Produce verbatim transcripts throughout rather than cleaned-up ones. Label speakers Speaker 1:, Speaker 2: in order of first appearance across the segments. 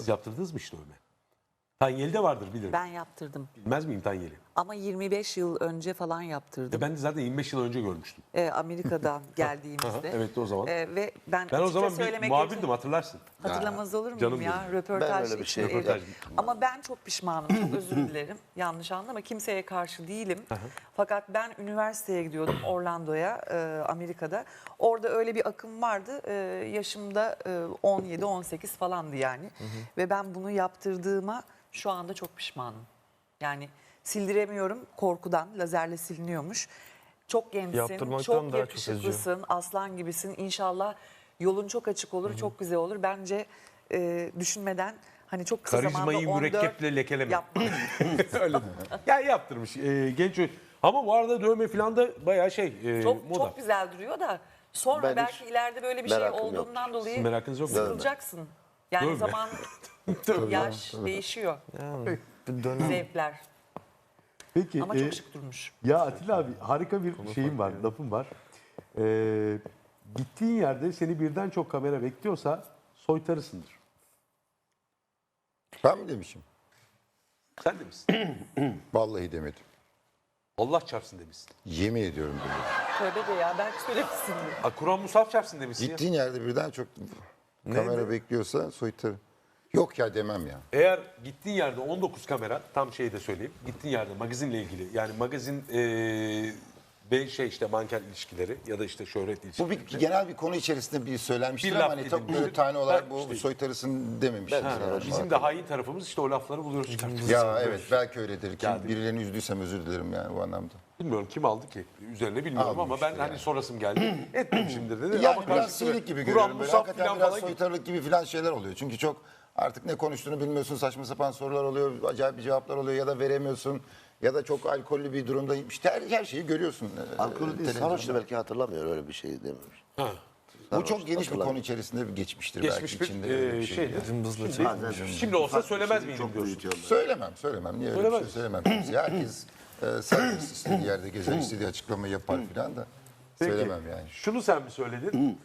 Speaker 1: Siz yaptırdınız mı hiç dövme? Tanyeli'de vardır bilirim.
Speaker 2: Ben yaptırdım.
Speaker 1: Bilmez miyim Tanyeli?
Speaker 2: Ama yirmi beş yıl önce falan yaptırdım.
Speaker 1: E ben de zaten yirmi beş yıl önce görmüştüm.
Speaker 2: Ee, Amerika'dan geldiğimizde.
Speaker 1: Evet o zaman.
Speaker 2: Ee, ve ben,
Speaker 1: Ben o
Speaker 2: açıkça
Speaker 1: zaman bir
Speaker 2: söylemek
Speaker 1: muhabirdim
Speaker 2: gerekirse-
Speaker 1: hatırlarsın.
Speaker 2: Hatırlamaz olur muyum
Speaker 1: canım
Speaker 2: ya?
Speaker 1: benim.
Speaker 2: Röportaj
Speaker 3: Ben öyle bir
Speaker 2: için,
Speaker 3: şey-
Speaker 2: evet.
Speaker 1: Röportaj.
Speaker 2: Ama ben çok pişmanım. Çok özür dilerim. Yanlış anlama. Kimseye karşı değilim. Fakat ben üniversiteye gidiyordum Orlando'ya, e, Amerika'da. Orada öyle bir akım vardı. E, yaşımda e, on yedi on sekiz falandı yani. Ve ben bunu yaptırdığıma şu anda çok pişmanım. Yani sildiremiyorum korkudan. Lazerle siliniyormuş. Çok gençsin,
Speaker 4: Yaptırmaktan
Speaker 2: çok
Speaker 4: daha çok acıyor.
Speaker 2: yakışıklısın, aslan gibisin. İnşallah yolun çok açık olur, çok güzel olur. Bence e, düşünmeden hani çok kısa
Speaker 1: Karizmayı
Speaker 2: zamanda on dört
Speaker 1: mürekkeple lekeleme.
Speaker 2: yapma.
Speaker 1: Öyle değil. Ya yaptırmış e, genç. Ama bu arada dövme falan da bayağı şey e,
Speaker 2: Çok
Speaker 1: moda.
Speaker 2: çok güzel duruyor da sonra
Speaker 3: Ben
Speaker 2: belki
Speaker 3: hiç
Speaker 2: ileride böyle bir şey
Speaker 3: merakım
Speaker 2: olduğundan
Speaker 3: yoktur.
Speaker 2: dolayı
Speaker 1: Sizin merakınız yok mu?
Speaker 2: sıkılacaksın. Yani
Speaker 1: Dövme.
Speaker 2: zaman, yaş değişiyor,
Speaker 4: Yani bir dönem.
Speaker 2: zevkler.
Speaker 5: Peki.
Speaker 2: Ama
Speaker 5: e,
Speaker 2: çok şık durmuş.
Speaker 5: Ya Atilla abi harika bir şeyim var, lafım var. Ee, gittiğin yerde seni birden çok kamera bekliyorsa soytarısındır.
Speaker 6: Ben mi demişim?
Speaker 1: Sen de misin?
Speaker 6: Vallahi demedim.
Speaker 1: Allah çarpsın demişsin.
Speaker 6: Yemin ediyorum demedim.
Speaker 2: Tövbe de ya belki söylemişsindir.
Speaker 1: Ha, Kur'an Musaf çarpsın demişsin ya.
Speaker 6: Gittiğin yerde birden çok kamera bekliyorsa soytarı. Yok ya demem ya.
Speaker 1: Eğer gittiğin yerde on dokuz kamera, tam şeyi de söyleyeyim. Gittiğin yerde magazinle ilgili, yani magazin e, ve şey işte manken ilişkileri ya da işte şöhret ilişkileri.
Speaker 6: Bu bir genel bir konu içerisinde bir söylenmiştir
Speaker 1: Bir
Speaker 6: ama
Speaker 1: laf
Speaker 6: hani tabii
Speaker 1: edilmiştir.
Speaker 6: böyle tane olarak
Speaker 1: Ha,
Speaker 6: bu
Speaker 1: işte.
Speaker 6: soytarısın dememiştim.
Speaker 1: Ha,
Speaker 6: Yani.
Speaker 1: bizim de hain tarafımız işte o lafları buluyoruz çıkartıyoruz.
Speaker 6: Ya evet belki öyledir. Kim,
Speaker 1: Geldi.
Speaker 6: birilerini üzdüysem özür dilerim yani bu anlamda.
Speaker 1: Bilmiyorum kim aldı ki üzerine bilmiyorum ama
Speaker 6: Almıştır
Speaker 1: ben hani
Speaker 6: yani.
Speaker 1: sorasım geldi. Etmemişimdir dedi.
Speaker 6: Yani
Speaker 1: ama
Speaker 6: biraz
Speaker 1: karşısına
Speaker 6: silik gibi
Speaker 1: Kur'an
Speaker 6: görüyorum. Böyle.
Speaker 1: Musaf
Speaker 6: Hakikaten
Speaker 1: falan
Speaker 6: biraz
Speaker 1: falan gibi.
Speaker 6: soytarılık gibi falan şeyler oluyor. Çünkü çok artık ne konuştuğunu bilmiyorsun. Saçma sapan sorular oluyor. Acayip bir cevaplar oluyor ya da veremiyorsun. Ya da çok alkollü bir durumdayım. İşte her, her şeyi görüyorsun. e,
Speaker 3: Alkolü değil,
Speaker 6: televizyonda.
Speaker 3: sarhoştu belki hatırlamıyor öyle bir şey dememiş.
Speaker 6: Bu çok geniş bir
Speaker 3: hatırlamıyorum.
Speaker 6: konu içerisinde bir geçmiştir
Speaker 1: Geçmiş
Speaker 6: belki.
Speaker 1: bir
Speaker 6: içinde öyle
Speaker 1: e,
Speaker 6: bir şey.
Speaker 1: şeydir.
Speaker 6: yani.
Speaker 4: Cımbızla
Speaker 1: Şimdi,
Speaker 3: Bazen-
Speaker 1: şimdi olsa
Speaker 3: Ufak bir
Speaker 1: söylemez
Speaker 3: şeyi
Speaker 1: miydim
Speaker 3: çok
Speaker 1: diyorsun.
Speaker 3: büyütüyorlar.
Speaker 6: Söylemem, söylemem. Niye öyle bir
Speaker 1: Söylemez.
Speaker 6: şey söylemem? Kimseye. Herkes e, serbest istediği yerde gezer, istediği açıklamayı yapar filan da
Speaker 1: Peki,
Speaker 6: söylemem yani.
Speaker 1: şunu sen mi söyledin?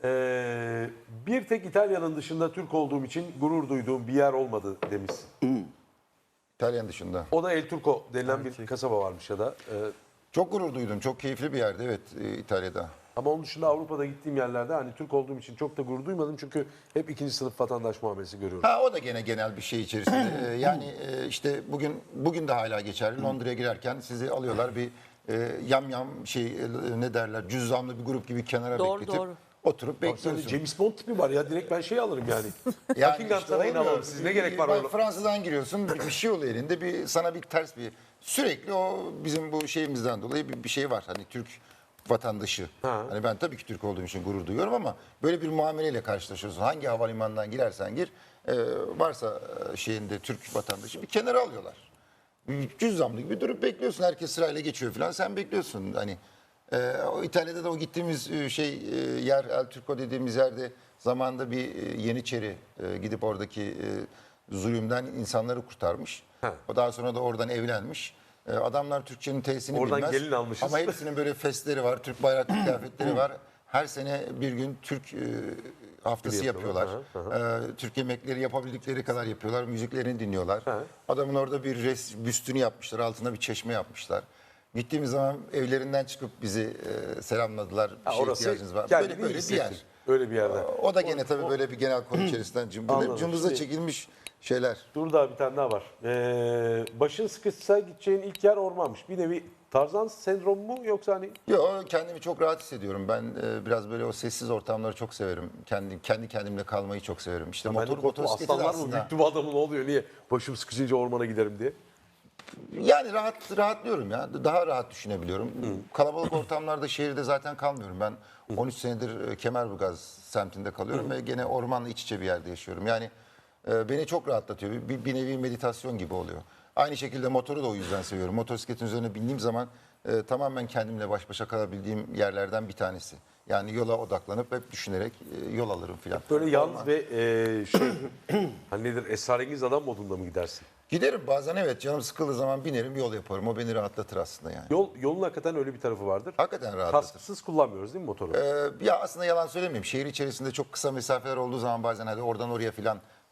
Speaker 1: Ee, bir tek İtalya'nın dışında Türk olduğum için gurur duyduğum bir yer olmadı demişsin.
Speaker 6: İtalyan dışında.
Speaker 1: O da El Turco denilen bir kasaba varmış ya da. e,
Speaker 6: Çok gurur duydum. Çok keyifli bir yerdi evet e, İtalya'da.
Speaker 1: ama onun dışında Avrupa'da gittiğim yerlerde hani Türk olduğum için çok da gurur duymadım. Çünkü hep ikinci sınıf vatandaş muamelesi görüyorum.
Speaker 6: Ha o da gene genel bir şey içerisinde. Ee, yani e, işte bugün bugün de hala geçerli. Londra'ya girerken sizi alıyorlar bir e, yam yam şey e, ne derler cüzzamlı bir grup gibi kenara
Speaker 2: Doğru,
Speaker 6: bekletip
Speaker 2: doğru.
Speaker 6: oturup
Speaker 1: Baksana
Speaker 6: bekliyorsun.
Speaker 1: James Bond tipi var ya, direkt ben şey alırım yani.
Speaker 6: Yani
Speaker 1: Buckingham
Speaker 6: işte
Speaker 1: Sarayı'nı
Speaker 6: oluyor.
Speaker 1: alalım, siz ne gerek var
Speaker 6: Bak,
Speaker 1: orada?
Speaker 6: Fransa'dan giriyorsun bir, bir şey oluyor elinde bir sana bir ters bir sürekli o bizim bu şeyimizden dolayı bir, bir şey var. Hani Türk vatandaşı.
Speaker 1: Ha.
Speaker 6: Hani ben tabii ki Türk olduğum için gurur duyuyorum ama böyle bir muameleyle karşılaşıyorsun. Hangi havalimanından girersen gir e, varsa e, şeyinde Türk vatandaşı bir kenara alıyorlar. Cüzdanlı gibi durup bekliyorsun. Herkes sırayla geçiyor falan. Sen bekliyorsun. Hani e, o İtalya'da da o gittiğimiz e, şey e, yer El Turco dediğimiz yerde zamanında bir e, Yeniçeri e, gidip oradaki e, zulümden insanları kurtarmış.
Speaker 1: Ha.
Speaker 6: O daha sonra da oradan evlenmiş. E, adamlar Türkçenin T'sini
Speaker 1: Oradan
Speaker 6: bilmez.
Speaker 1: gelin almışız.
Speaker 6: Ama hepsinin böyle fesleri var. Türk bayraklı kıyafetleri var. Her sene bir gün Türk e, haftası
Speaker 1: Gibi yapıyorlar.
Speaker 6: yapıyorlar. Ee, Türk yemekleri yapabildikleri kadar yapıyorlar. Müziklerini dinliyorlar.
Speaker 1: Ha.
Speaker 6: Adamın orada bir res, büstünü yapmışlar. Altına bir çeşme yapmışlar. Gittiğimiz zaman evlerinden çıkıp bizi e, selamladılar. Bir
Speaker 1: Ha,
Speaker 6: şeye
Speaker 1: orası
Speaker 6: ihtiyacınız var.
Speaker 1: kendini
Speaker 6: Böyle, böyle bir
Speaker 1: hissettir.
Speaker 6: yer.
Speaker 1: Öyle bir yerde.
Speaker 6: O da gene tabii böyle bir genel konu içerisinden cımbız,
Speaker 1: Anladım.
Speaker 6: cımbızla
Speaker 1: Şimdi-
Speaker 6: çekilmiş şeyler.
Speaker 1: Dur daha bir tane daha var. Ee, başın sıkışsa gideceğin ilk yer ormanmış. Bir nevi Tarzan sendromu mu yoksa hani
Speaker 6: Yo kendimi çok rahat hissediyorum. Ben e, biraz böyle o sessiz ortamları çok severim. Kendi kendi kendimle kalmayı çok severim. İşte
Speaker 1: ben de
Speaker 6: motor
Speaker 1: korktum,
Speaker 6: motosikleti de
Speaker 1: aslanlar mı
Speaker 6: aslında.
Speaker 1: büyüktü bu adamın, ne oluyor, niye başım sıkışınca ormana giderim diye.
Speaker 6: Yani rahat rahatlıyorum ya. Daha rahat düşünebiliyorum. Kalabalık ortamlarda şehirde zaten kalmıyorum. Ben on üç senedir e, Kemerburgaz semtinde kalıyorum ve gene ormanla iç içe bir yerde yaşıyorum. Yani e, beni çok rahatlatıyor. Bir, bir nevi meditasyon gibi oluyor. Aynı şekilde motoru da o yüzden seviyorum. Motosikletin üzerine bindiğim zaman e, tamamen kendimle baş başa kalabildiğim yerlerden bir tanesi. Yani yola odaklanıp hep düşünerek e, yol alırım filan.
Speaker 1: Böyle yalnız ve e, şey hani nedir, esrarengiz adam modunda mı gidersin?
Speaker 6: Giderim bazen evet canım sıkıldığı zaman binerim yol yaparım. O beni rahatlatır aslında yani.
Speaker 1: Yol, yolun hakikaten öyle bir tarafı vardır.
Speaker 6: Hakikaten rahatlatır.
Speaker 1: Kasksız kullanmıyoruz değil mi motoru?
Speaker 6: Ee, ya aslında yalan söylemeyeyim. Şehir içerisinde çok kısa mesafeler olduğu zaman bazen hadi oradan oraya filan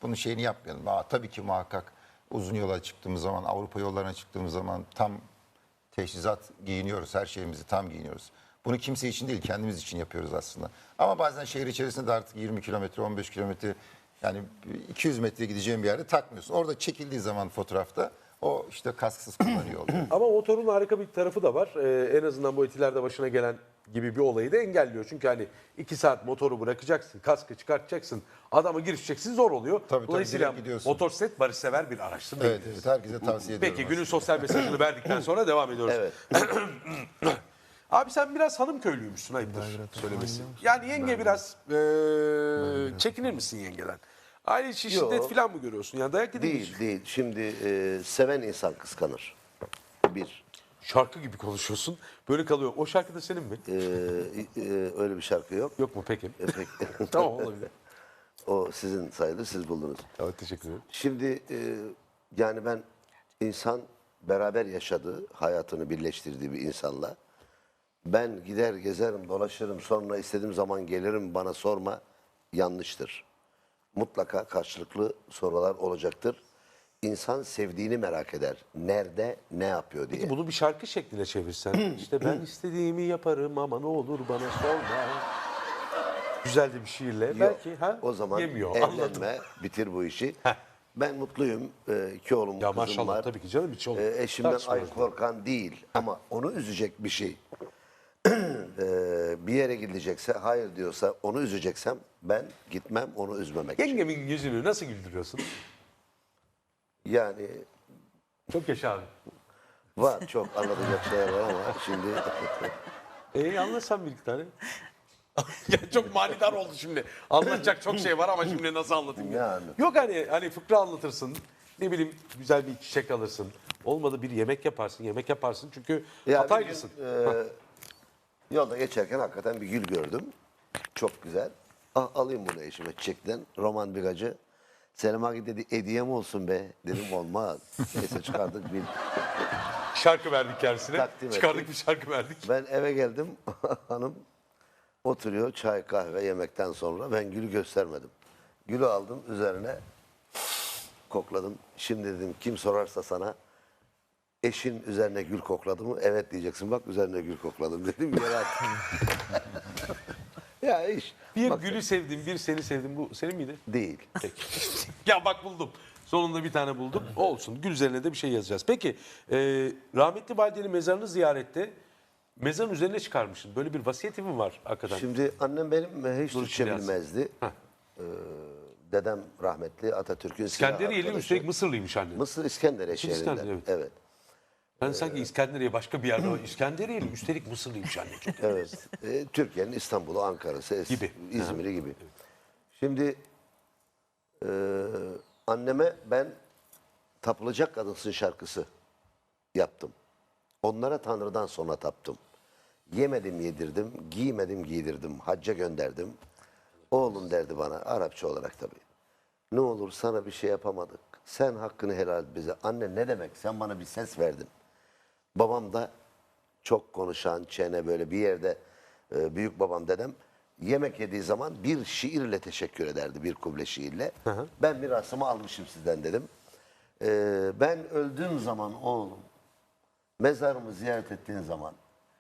Speaker 6: bunun şeyini yapmayalım. Aa, tabii ki muhakkak uzun yola çıktığımız zaman, Avrupa yollarına çıktığımız zaman tam teçhizat giyiniyoruz. Her şeyimizi tam giyiniyoruz. Bunu kimse için değil, kendimiz için yapıyoruz aslında. Ama bazen şehir içerisinde de artık yirmi kilometre, on beş kilometre, yani iki yüz metre gideceğin bir yerde takmıyorsun. Orada çekildiği zaman fotoğrafta o işte kasksız kullanıyor oluyor.
Speaker 1: Ama motorun harika bir tarafı da var. Ee, en azından bu etilerde başına gelen gibi bir olayı da engelliyor. Çünkü hani iki saat motoru bırakacaksın, kaskı çıkartacaksın, adama girişeceksin, zor oluyor.
Speaker 6: tabii,
Speaker 1: Dolayısıyla
Speaker 6: direkt gidiyorsun.
Speaker 1: motosiklet barışsever bir araçtır.
Speaker 6: Evet, evet, herkese tavsiye ediyorum.
Speaker 1: Peki günün sosyal mesajını verdikten sonra devam ediyoruz.
Speaker 3: Evet.
Speaker 1: Abi sen biraz hanım köylüymüşsün, ayıptır söylemesi. Yani yenge biraz eee, çekinir misin yengeden? Aile içi
Speaker 3: Yok.
Speaker 1: şiddet falan mı görüyorsun? Yani dayak yedin mi hiç?
Speaker 3: Değil değil. Şimdi e, seven insan kıskanır. Bir.
Speaker 1: Şarkı gibi konuşuyorsun. Böyle kalıyor. O şarkı da senin mi?
Speaker 3: E, e, öyle bir şarkı yok.
Speaker 1: Yok mu peki?
Speaker 3: E, pek-
Speaker 1: Tamam, olabilir.
Speaker 3: O sizin sayılır, siz buldunuz.
Speaker 1: Evet, teşekkür ederim.
Speaker 3: Şimdi e, yani ben insan beraber yaşadığı, hayatını birleştirdiği bir insanla ben gider gezerim, dolaşırım, sonra istediğim zaman gelirim bana sorma, yanlıştır. Mutlaka karşılıklı sorular olacaktır. İnsan sevdiğini merak eder. Nerede, ne yapıyor diye.
Speaker 1: Peki bunu bir şarkı şekline çevirsen. İşte ben istediğimi yaparım ama ne olur bana sorma. Güzel de bir şiirle.
Speaker 3: Yok,
Speaker 1: Belki ha?
Speaker 3: o zaman
Speaker 1: Yemiyor. Anladım.
Speaker 3: evlenme, bitir bu işi.
Speaker 1: Heh.
Speaker 3: Ben mutluyum. Ee, iki oğlum,
Speaker 1: Ya
Speaker 3: kızım
Speaker 1: maşallah
Speaker 3: var.
Speaker 1: tabii ki canım, hiç olur.
Speaker 3: Ee, eşimden ay
Speaker 1: Tartışmıyoruz.
Speaker 3: korkan değil ama onu üzecek bir şey. Ee, bir yere gidecekse, hayır diyorsa, onu üzeceksem ben gitmem, onu üzmemek için.
Speaker 1: Yengemin yüzünü nasıl güldürüyorsun?
Speaker 3: Yani
Speaker 1: Çok yaşa abi.
Speaker 3: var, çok anlatacak şeyler var ama şimdi
Speaker 1: Ee anlatsan bir iki tane. Ya çok manidar oldu şimdi. Anlatacak çok şey var ama şimdi nasıl anlatayım ya?
Speaker 3: Yani.
Speaker 1: Yok hani hani fıkra anlatırsın. Ne bileyim güzel bir çiçek alırsın. Olmadı bir yemek yaparsın. Yemek yaparsın çünkü
Speaker 3: Ya bir gün,
Speaker 1: Hataylısın.
Speaker 3: e, yolda geçerken hakikaten bir gül gördüm. Çok güzel. Ah, alayım bunu eşime çiçekten. Roman Bigacı. Selim Agi dedi hediyem olsun be. Dedim olmaz. Neyse çıkardık bir.
Speaker 1: Şarkı verdik kendisine.
Speaker 3: Takdim
Speaker 1: Çıkardık
Speaker 3: ettik.
Speaker 1: bir şarkı verdik.
Speaker 3: Ben eve geldim. Hanım oturuyor çay kahve yemekten sonra. Ben gülü göstermedim. Gülü aldım üzerine kokladım. Şimdi dedim kim sorarsa sana eşin üzerine gül kokladı mı? Evet diyeceksin. Bak üzerine gül kokladım dedim. Yere attım. Ya iş.
Speaker 1: Bir
Speaker 3: Bak,
Speaker 1: gülü sevdim, bir seni sevdim. Bu senin miydi?
Speaker 3: değil.
Speaker 1: Peki. Ya bak buldum. Sonunda bir tane buldum. Olsun. Gül üzerine de bir şey yazacağız. Peki e, rahmetli validenin mezarını ziyarette mezarın üzerine çıkarmışsın. Böyle bir vasiyeti mi var hakikaten?
Speaker 3: Şimdi annem benim hiç
Speaker 1: Dur,
Speaker 3: Türkçe
Speaker 1: şimdi
Speaker 3: bilmezdi.
Speaker 1: Heh.
Speaker 3: Ee, dedem rahmetli Atatürk'ün silah
Speaker 1: İskenderiyeli
Speaker 3: arkadaşı.
Speaker 1: üstelik Mısırlıymış anne.
Speaker 3: Mısır İskenderiye
Speaker 1: Şimdi
Speaker 3: şehrinde.
Speaker 1: İskender, evet.
Speaker 3: Evet.
Speaker 1: Ben sanki İskenderiye başka bir yerde var. İskenderiyeli üstelik Mısırlıymış anne. Çok
Speaker 3: Evet. Ee, Türkiye'nin İstanbul'u, Ankara'sı, Es-
Speaker 1: Gibi.
Speaker 3: İzmir'i gibi. Şimdi e, anneme ben Tapılacak Kadınsın şarkısı yaptım. Onlara Tanrı'dan sonra taptım. Yemedim yedirdim, giymedim giydirdim, hacca gönderdim. Oğlum derdi bana, Arapça olarak tabii. Ne olur sana bir şey yapamadık. Sen hakkını helal et bize. Anne ne demek? Sen bana bir ses verdin. Babam da çok konuşan, çene böyle bir yerde e, büyük babam dedem yemek yediği zaman bir şiirle teşekkür ederdi. Bir kuble şiirle. Ben mirasımı almışım sizden dedim. E, ben öldüğüm zaman oğlum mezarımı ziyaret ettiğin zaman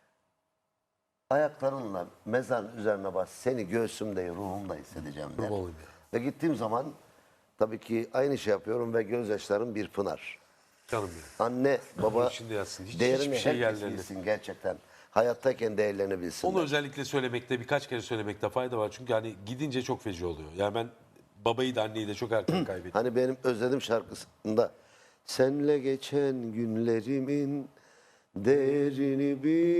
Speaker 3: ayaklarınla mezarın üzerine bas. Seni göğsümde, ruhumda hissedeceğim der.
Speaker 1: olayım
Speaker 3: Ve gittiğim zaman tabii ki aynı şey yapıyorum ve gözyaşlarım bir pınar.
Speaker 1: Canım ya.
Speaker 3: Anne, baba
Speaker 1: içinde yatsın. Hiç-
Speaker 3: değerini
Speaker 1: hiçbir şey
Speaker 3: herkes
Speaker 1: yerlerinde.
Speaker 3: bilsin gerçekten. Hayattayken değerlerini bilsinler.
Speaker 1: Onu özellikle söylemekte, birkaç kere söylemekte fayda var. Çünkü hani gidince çok feci oluyor. Yani ben babayı da anneyi de çok erken kaybettim.
Speaker 3: Hani benim özledim şarkısında senle geçen günlerimin değerini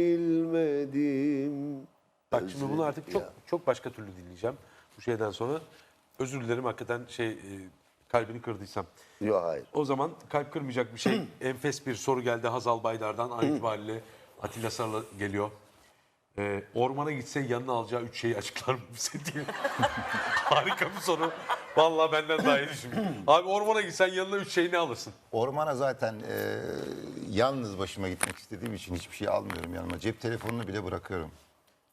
Speaker 3: bilmedim.
Speaker 1: Bak şimdi bunu artık çok
Speaker 3: Ya.
Speaker 1: çok başka türlü dinleyeceğim. Bu şeyden sonra özür dilerim hakikaten şey e, kalbini kırdıysam.
Speaker 3: Yok hayır.
Speaker 1: O zaman kalp kırmayacak bir şey. Enfes bir soru geldi Hazal Baydar'dan. An itibariyle Atilla Sarı'la geliyor. Ee, ormana gitse yanına alacağı üç şeyi açıklar mı bize diye. Harika bir soru. Vallahi benden daha iyi düşünmüş. Abi ormana gitsen yanına üç şey ne alırsın?
Speaker 6: Ormana zaten e, yalnız başıma gitmek istediğim için hiçbir şey almıyorum yanıma. Cep telefonunu bile bırakıyorum.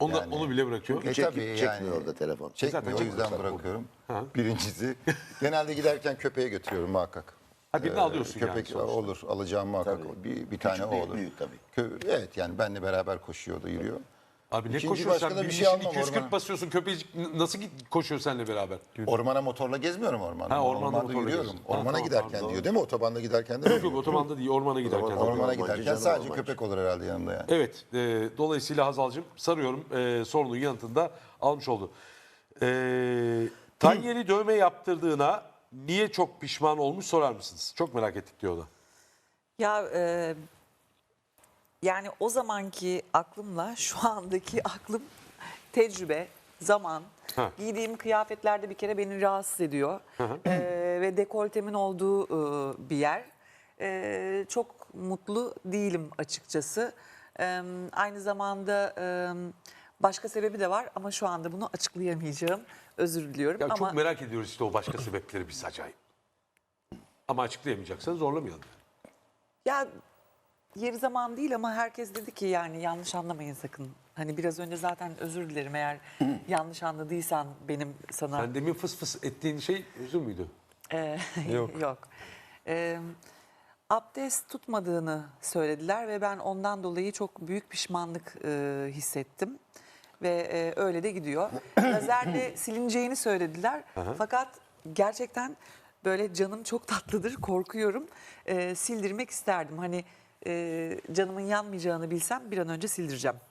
Speaker 1: Onu, da-
Speaker 6: Yani-
Speaker 1: onu bile bırakıyor.
Speaker 6: E
Speaker 3: Çek-
Speaker 6: tabii
Speaker 3: çekmiyor
Speaker 6: yani.
Speaker 3: orada telefon.
Speaker 6: Çekmiyor,
Speaker 1: Zaten
Speaker 6: o yüzden
Speaker 1: çekmiyorlar
Speaker 6: bırakıyorum.
Speaker 1: Ha.
Speaker 6: Birincisi. Genelde giderken köpeğe götürüyorum muhakkak.
Speaker 1: Ha, birini
Speaker 6: Ee,
Speaker 1: alıyorsun yani
Speaker 6: Köpek
Speaker 1: sonuçta.
Speaker 6: olur, alacağım muhakkak.
Speaker 3: Tabii.
Speaker 6: Bir, bir
Speaker 3: Küçük
Speaker 6: tane o
Speaker 3: değil,
Speaker 6: olur.
Speaker 3: büyük tabii.
Speaker 6: Kö- evet yani benle beraber koşuyordu, yürüyor.
Speaker 1: Abi ne
Speaker 6: İkinci
Speaker 1: koşuyorsun
Speaker 6: başka
Speaker 1: sen?
Speaker 6: da bir
Speaker 1: Bir
Speaker 6: şey
Speaker 1: şey
Speaker 6: almam
Speaker 1: iki yüz kırk
Speaker 6: ormana.
Speaker 1: basıyorsun köpecik n- nasıl git- koşuyor seninle beraber?
Speaker 6: Ormana motorla gezmiyorum ormanda.
Speaker 1: Ha, ormanda
Speaker 6: Ormanda
Speaker 1: motorla
Speaker 6: yürüyorum.
Speaker 1: geziyorsun. Ha,
Speaker 6: Ormana
Speaker 1: tamam,
Speaker 6: giderken
Speaker 1: tamam,
Speaker 6: diyor değil mi? Otobanda giderken de
Speaker 1: Yok yok otobanda değil ormana giderken.
Speaker 3: Orman-
Speaker 6: Ormana
Speaker 3: Ormancı
Speaker 6: giderken
Speaker 3: canım,
Speaker 6: sadece
Speaker 3: ormancı.
Speaker 6: köpek olur herhalde yanımda yani.
Speaker 1: Evet e, dolayısıyla Hazal'cığım sarıyorum e, sorunun yanıtını da almış oldu. E, Tanyeli dövme yaptırdığına niye çok pişman olmuş sorar mısınız? Çok merak ettik diyor o da.
Speaker 2: Ya e, yani o zamanki aklımla şu andaki aklım tecrübe, zaman.
Speaker 1: Ha.
Speaker 2: Giydiğim kıyafetlerde bir kere beni rahatsız ediyor. E, ve dekoltemin olduğu e, bir yer. E, çok mutlu değilim açıkçası. E, aynı zamanda e, başka sebebi de var ama şu anda bunu açıklayamayacağım. Özür diliyorum
Speaker 1: Ya
Speaker 2: ama
Speaker 1: çok merak ediyoruz işte o başka sebepleri biz acayip. Ama açıklayamayacaksanız zorlamayalım.
Speaker 2: ya yeri zaman değil ama herkes dedi ki yani yanlış anlamayın sakın. Hani biraz önce zaten özür dilerim eğer yanlış anladıysan benim sana.
Speaker 1: Sen demin fıs fıs ettiğin şey üzüm müydü?
Speaker 2: Ee, yok. Yok. Ee, abdest tutmadığını söylediler ve ben ondan dolayı çok büyük pişmanlık e, hissettim. Ve e, öyle de gidiyor. Lazerle silineceğini söylediler. Fakat gerçekten böyle canım çok tatlıdır, korkuyorum. Ee, sildirmek isterdim. Hani e, canımın yanmayacağını bilsem bir an önce sildireceğim.